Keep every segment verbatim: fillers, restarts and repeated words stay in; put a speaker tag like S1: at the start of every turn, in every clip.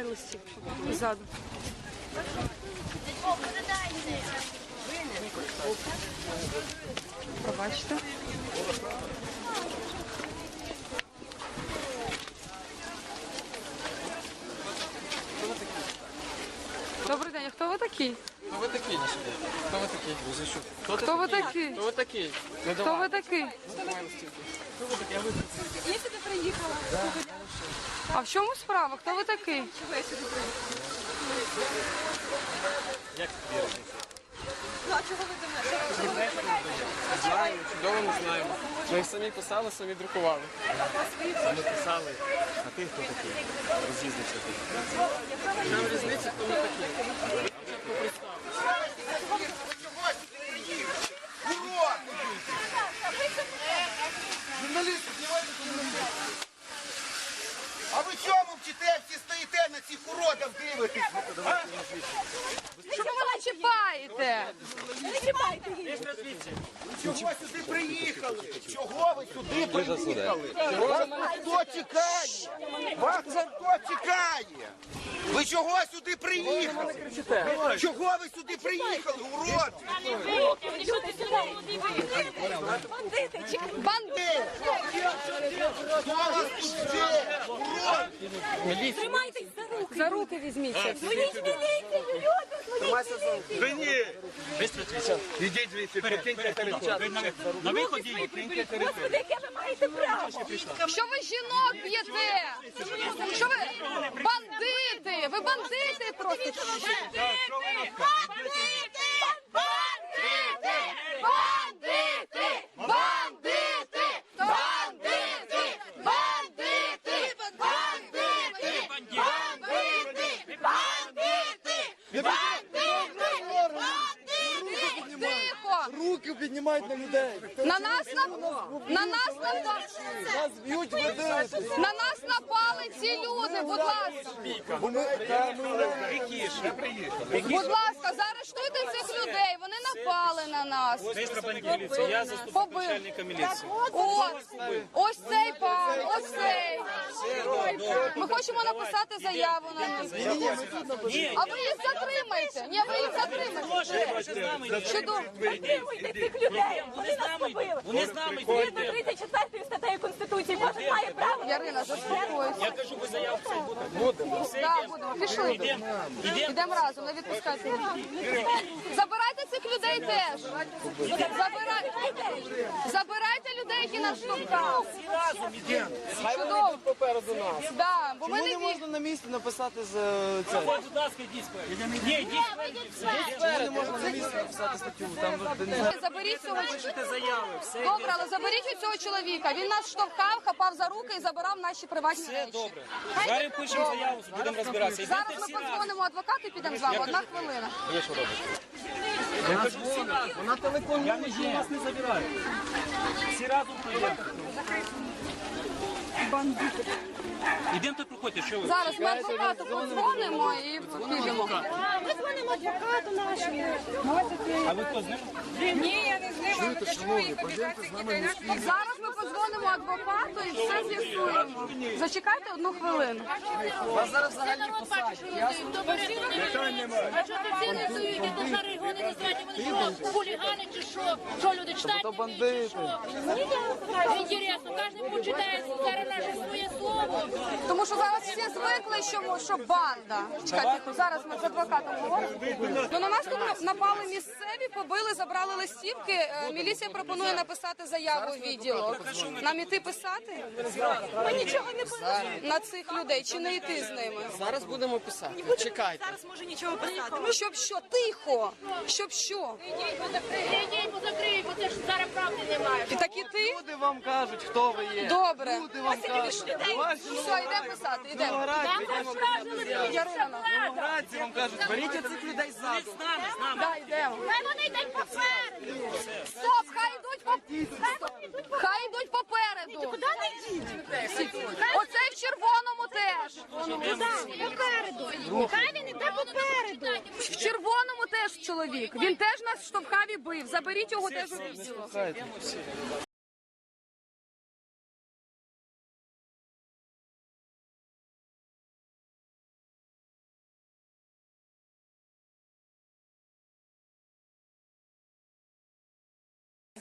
S1: листівки ззаду. Пробачте. Добрий день, а хто ви такі?
S2: Хто ви такий? Хто ви такий? Хто,
S1: Хто ви такі?
S2: Хто ви такий? Не
S1: Хто
S2: давай.
S1: ви такі?
S2: Хто ви такий? Я виключу.
S3: Я сюди приїхала.
S1: А в чому справа? Хто ви такий?
S3: Чого я сюди приїхала?
S2: Як тобі різниця?
S3: Ну, а чого ви до мене?
S2: Знаємо, чудово не знаємо. Ми їх самі писали, самі друкували.
S4: Самі писали, а ти хто такий? Роз'їздився ти.
S2: Нам різниця, хто ми такі.
S5: Журналісти, знімайте журналістів. А ви чому вчите, всі стоїте на цих уродах дивитесь?
S1: Що ви мене чіпаєте?
S3: Не чіпайте її.
S5: Чого сюди приїхали? Чого ви сюди приїхали? Вас хто чекає? Вас хто чекає? Ви чого сюди приїхали? Чого ви сюди приїхали, уроди?
S3: Люди сюди. Бандити, чекайте.
S1: Бандит!
S5: Хто вас тут жде? Уроди!
S3: Тримайтесь за руки.
S1: За руки візьміться.
S3: Дзвоніть в міліцію, люди, дзвоніть в міліцію.
S4: Ви ні! Ідіть звідси, перекиньте телефон. На виході киньте телефон.
S3: Господи, яке ви маєте право?
S1: Що ви жінок б'єте? Що ви? Бандити! Ви бандити просто!
S3: Бандити! Бандити! Бандити! Бандити! Бандити! Бандити! Бандити! Бандити! Бандити! Бандити!
S1: Тихо!
S6: Руки піднімають на людей.
S1: На нас на, на нас напали.
S6: Нас б'ють, ви дивитесь.
S1: На нас напали ці люди, будь ласка.
S6: Бо ми, та, ми
S1: Будь ласка, заарештуйте цих людей. Вони напали на нас.
S4: Міліція, я заступник
S1: Побив.
S4: начальника міліції.
S1: Ось, ось цей пан, ось цей. Ми хочемо написати заяву на них. А ви їх затримайте. Ні, ви їх затримайте. Чудово.
S3: Підтримуйте цих людей. Вони нас побили.
S4: Вони з нами
S3: Згідно
S4: йдете.
S3: тридцять четвертої статтею Конституції кожен має право.
S1: Ярина, заспокойся.
S4: Я кажу, ви заяву це будете. Все,
S1: Так,
S4: йдемо.
S1: будемо. Пішли.
S4: Йдемо.
S1: Йдемо разом, не відпускайте. Забирайте цих людей теж. Забирайте. Забирайте людей, які нас штовхали. Чудово.
S2: Попереду нас.
S1: Да, бо ми
S6: Чому
S1: не
S6: не
S1: ві...
S6: можна на місці написати з е, це?
S4: Ось, будь ласка, йдіть спереду. Ні, йдіть спереду.
S6: Чому не можна на місці написати статтю? Там де не знаю.
S1: Заберіть цього.
S4: Пишете заяви, все
S1: Добре, але заберіть у цього чоловіка. Він нас штовхав, хапав за руки і забирав наші приватні
S4: Все
S1: речі.
S4: добре. Зараз пишемо заяву, будемо розбиратися.
S1: Зараз
S4: Йдете
S1: ми
S4: всі разом.
S1: подзвонимо адвокату і підемо з вами. Одна хвилина.
S4: Я кажу, всі разом. Вона телефон я не вас не забираю. Всі разом пройдемо. Ідемте, проходьте, що ви?
S1: Зараз ми адвокату подзвонимо і підемо.
S3: Ми дзвонимо адвокату нашому.
S4: А ви хто з ним?
S1: Зараз ми подзвонимо адвокату і все з'ясуємо. Зачекайте одну хвилину.
S6: Вас зараз взагалі посадять.
S7: А що ти всі не суєте, то шари його не називати, вони що, хулігани чи що? Що люди читають?
S6: То бандити.
S7: Інтересно, кожен почитає зараз наше своє слово.
S1: Тому що зараз всі звикли, що, що банда. Чекайте, зараз ми з адвокатом говоримо. Ну, на нас тут напали місцеві, побили, забрали листівки. Е, Міліція пропонує написати заяву в відділок. Нам іти писати?
S3: Ми нічого не писали.
S1: На цих людей, чи не йти з ними?
S2: Зараз будемо писати. Чекайте.
S3: Зараз може нічого писати.
S1: Щоб що? Тихо! Щоб що?
S7: Ідіть, позакрийте, позакрийте, бо це ж зараз правди немає.
S1: І так і ти?
S6: Люди вам кажуть, хто ви є.
S1: Добре.
S6: Люди вам кажуть. Ваші
S1: Все, йдемо писати, йдемо. Ярина.
S6: новоградці вам кажуть, беріть цих людей ззаду.
S4: З нами, з нами.
S1: Да, йдемо.
S7: Хай вони йдуть попереду.
S1: Стоп, хай йдуть по... Хай йдуть попереду.
S3: Куди не йдіть?
S1: Оцей в червоному теж.
S7: Попереду. Хай він іде попереду.
S1: В червоному теж чоловік. Він теж нас штовхав і бив. Заберіть його теж у відділок.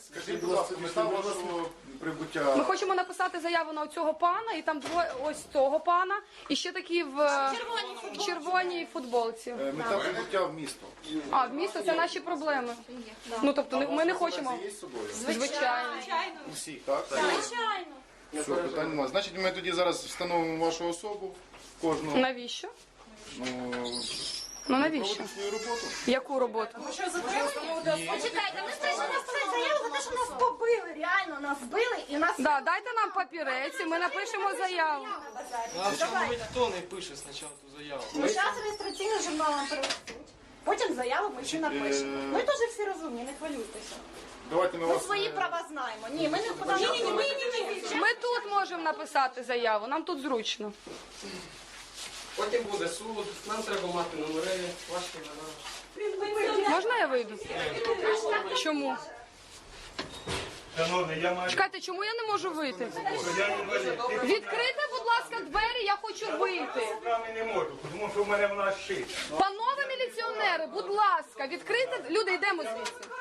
S8: Скажіть, будь ласка, мета вашого прибуття.
S1: Ми хочемо написати заяву на цього пана, і там двоє ось цього пана, і ще такі в е, в червоній футболці.
S8: Е, Мета прибуття в місто.
S1: А, в місто це наші проблеми. Ну тобто не- ми не хочемо.
S8: Є з собою?
S1: Звичайно.
S8: Усі, так?
S3: Звичайно.
S8: Все, питань немає. Значить, ми тоді зараз встановимо вашу особу, кожну.
S1: Навіщо?
S8: Ну,
S1: Ну навіщо?
S8: проводимо свою роботу.
S1: Яку роботу?
S3: Почекайте, ми прийшли написати заяву за те, що нас побили. Реально нас били і нас...
S1: Да, дайте нам папірець, і ми напишемо заяву.
S6: А чому ніхто не пише спочатку ту заяву?
S3: Ну, зараз реєстраційний журнал нам привезуть. Потім заяву ми ще напишемо. Ми теж всі розумні, не хвилюйтеся.
S8: Давайте ми
S3: Ми
S8: вас...
S3: свої права знаємо. Ні, ми не подаємо. Ні, ні, ні, ні.
S1: Ми тут можемо написати заяву, нам тут зручно.
S2: Потім буде суд, нам треба мати номери, ваші імена.
S1: Можна я вийду? Чому?
S4: Шановний, я маю...
S1: Чекайте, чому я не можу вийти?
S4: Я не можу. Ти
S1: Відкрийте, будь ласка, двері, я хочу вийти.
S4: руками не можу, тому що в мене вона шита.
S1: Панове міліціонери, будь ласка, відкрийте. Люди, йдемо звідси.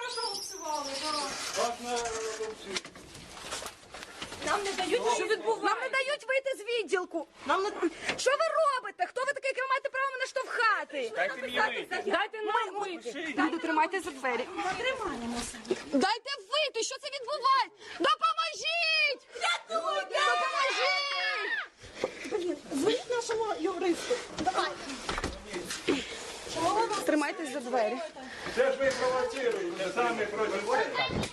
S3: Нам не дають.
S1: Що відбувається? Нам не дають вийти з відділку. Нам не... Що ви робите? Хто ви такий, який ви маєте право мене штовхати?
S4: Дайте мені вийти.
S1: Дайте нам вийти. Люди, тримайте за двері. Дайте вийти, що це відбувається? Допоможіть! Допоможіть!
S3: Дзвоніть нашому юристу. Давай.
S1: Тримайтесь за двері.
S4: Це ж ви провоцируєте, самі провоцируєте.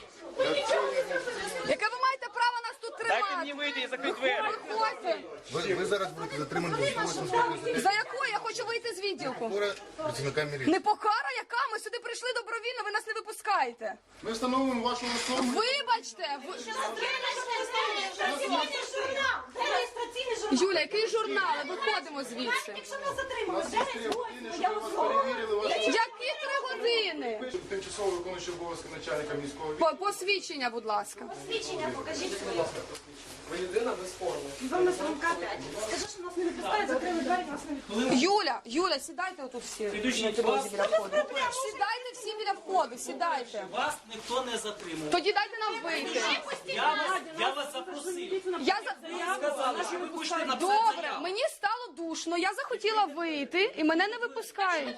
S1: Яке ви маєте право нас тут тримати?
S4: вийти і закрити двері.
S1: Виходьте.
S8: Ви, ви зараз будете затримані до сто вісімдесят
S1: За якою? Я хочу вийти з відділку.
S8: працівника міліції.
S1: Не покара яка? Ми сюди прийшли добровільно, ви нас не випускаєте.
S8: Ми встановимо вашу особу.
S1: Вибачте! ви-
S3: Реєстраційний журнал. Де реєстраційний журнал?
S1: Юля, який журнал? Виходимо звідси.
S3: Якщо нас затримали,
S8: Нас
S3: де
S8: є три години, щоб ми вас перевірили. Ваші
S1: Які три години?
S8: тимчасово виконуючий обов'язки начальника міського
S1: По- Посвідчення, будь ласка.
S3: свідчення покажіть своє.
S2: Ви людина без форми.
S3: Вам на самка п'ять. Скажи, що нас не відпускають, закрили двері, нас не відпускають.
S1: Юля, Юля, сідайте отут всі. На підлозі біля входу. Сідайте всі біля входу, сідайте.
S9: Вас ніхто не затримував.
S1: Тоді дайте нам вийти.
S9: Я вас, я вас запросив.
S1: Я за...
S9: Сказали, що ви хочете написати
S1: Добре,
S9: заяву.
S1: мені стало душно, я захотіла вийти, і мене не випускають.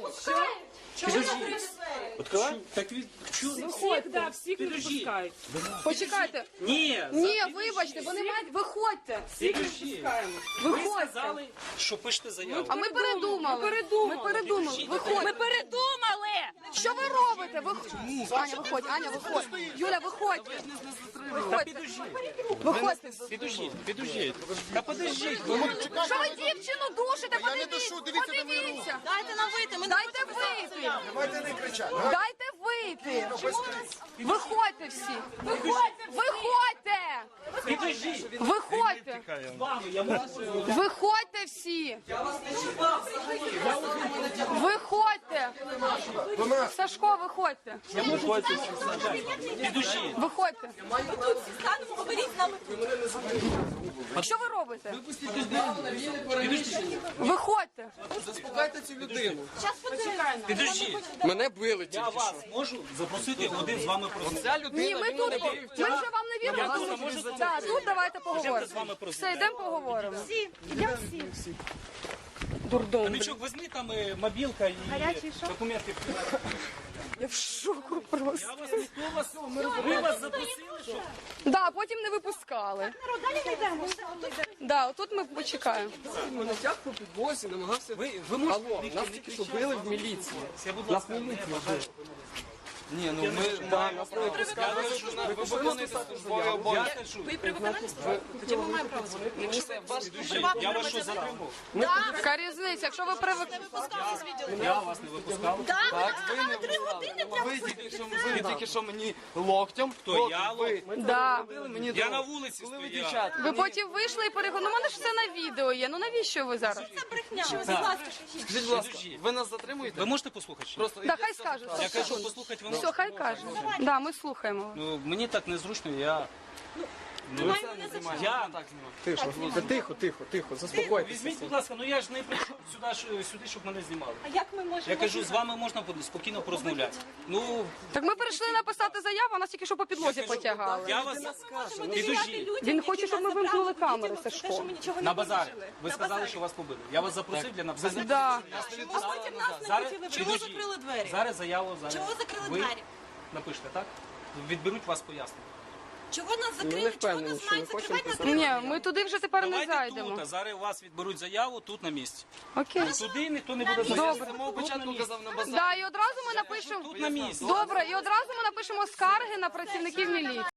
S9: Так від чу...
S1: Виходьте.
S9: Підожди.
S1: Почекайте.
S9: Ні,
S1: Ні, вибачте, вони мають... Виходьте.
S9: підожди. Ви
S1: Виходьте.
S9: сказали, що пишете заяву.
S1: А ми передумали. Ми передумали. Виходьте. Ми передумали. Що ви робите? Ви... Аня, виходь, Аня, виходь. Юля, виходьте. Виходьте. Виходьте.
S9: Підождіть, підождіть. Та подождіть.
S1: Що ви дівчину душите? Подивіться. Подивіться.
S3: Дайте нам вийти, ми
S1: Дайте вийти.
S8: Давайте не кричати.
S1: Дайте вийти. Виходьте всі. Виходьте.
S9: Підождіть.
S1: Виходьте.
S9: З вами я можу.
S1: Виходьте всі. Виходьте. Сашко, виходьте.
S9: Підождіть.
S1: Виходьте.
S3: станемо, поберіть з нами.
S1: Що ви робите?
S9: Підождіть.
S1: Виходьте.
S2: Заспокайте цю людину.
S3: Зараз почекаємо.
S9: Підождіть.
S2: Мене били
S9: Я
S2: тільки
S9: вас
S2: що.
S9: можу запросити один з вами про
S2: Ця людина,
S1: Ні, ми
S2: він
S1: тут.
S2: мене
S1: Ми
S2: бив.
S1: вже вам не віримо. Так, тут давайте поговоримо. Все, йдемо поговоримо.
S3: Всі, йдемо всі.
S1: Дурдом.
S9: Хомячок, візьми там е, мобілка і документи.
S1: Я в шоку просто.
S9: Я вас ніхто вас, ми вас запросили, що
S1: Да, потім не випускали.
S3: Далі не йдемо. Все, отут.
S1: Да, отут ми почекаємо.
S2: Мене тяг по підвозі, намагався...
S9: ви, ви можете
S2: Алло, нас тільки що били в міліції.
S9: Я, будь ласка, не бажаю.
S2: Ні, ну ми... Да, нас не випускали. Ви виконуєте службові обов'язки.
S9: Я кажу, я вас що затримав?
S1: Яка різниця, якщо ви привик...
S9: Я вас не випускав.
S2: Так, ви не випускали. Ви тільки що, ви тільки що мені локтем.
S9: Хто, я
S2: ви
S1: Да.
S2: били мені
S9: Я
S2: дорогу.
S9: на вулиці
S2: Коли ви
S9: стояв.
S2: дівчат.
S1: Ви потім вийшли і переговорили. Ну, в мене ж все на відео є. Ну навіщо ви зараз?
S3: Брехня. Будь ласка,
S2: Скажіть, будь ласка, ви нас затримуєте?
S9: Ви можете послухати? ще?
S2: Просто
S1: Да, хай скаже.
S9: Я кажу, послухати ви
S1: Все,
S9: можете.
S1: хай каже. Да, ми слухаємо.
S9: Ну, мені так незручно, я... Ну, я так знімаю.
S4: Тихо, тихо, тихо, тихо, заспокойтеся.
S9: Візьміть, будь ласка, ну я ж не прийшов сюди, ж- сюди, щоб мене знімали.
S3: А як ми можемо?
S9: Я кажу, з вами можна спокійно порозмовляти. Ну,
S1: Так ми прийшли написати заяву, а нас тільки що по підлозі потягали.
S9: я вас підождіть.
S1: Він хоче, щоб ми вимкнули камери, Сашко.
S9: На базарі. Ви сказали, що вас побили. Я вас запросив для написання.
S1: Да.
S9: Зараз, підождіть. Зараз заяву, зараз.
S3: Чого закрили
S9: Ви
S3: двері?
S9: напишете, так? Відберуть вас пояснення.
S3: Чого нас
S1: Ну,
S3: закрили? Чого нас мають закривати нас?
S1: Ні, ми туди вже тепер не
S9: Давайте
S1: зайдемо.
S9: тут, а зараз у вас відберуть заяву тут на місці.
S1: Окей.
S9: Туди ніхто не буде
S2: Я
S9: заявляти.
S2: з самого початку казав на базар.
S1: Да, і одразу ми напишемо.
S9: Тут на місці.
S1: Добре, і одразу ми напишемо скарги на працівників міліції.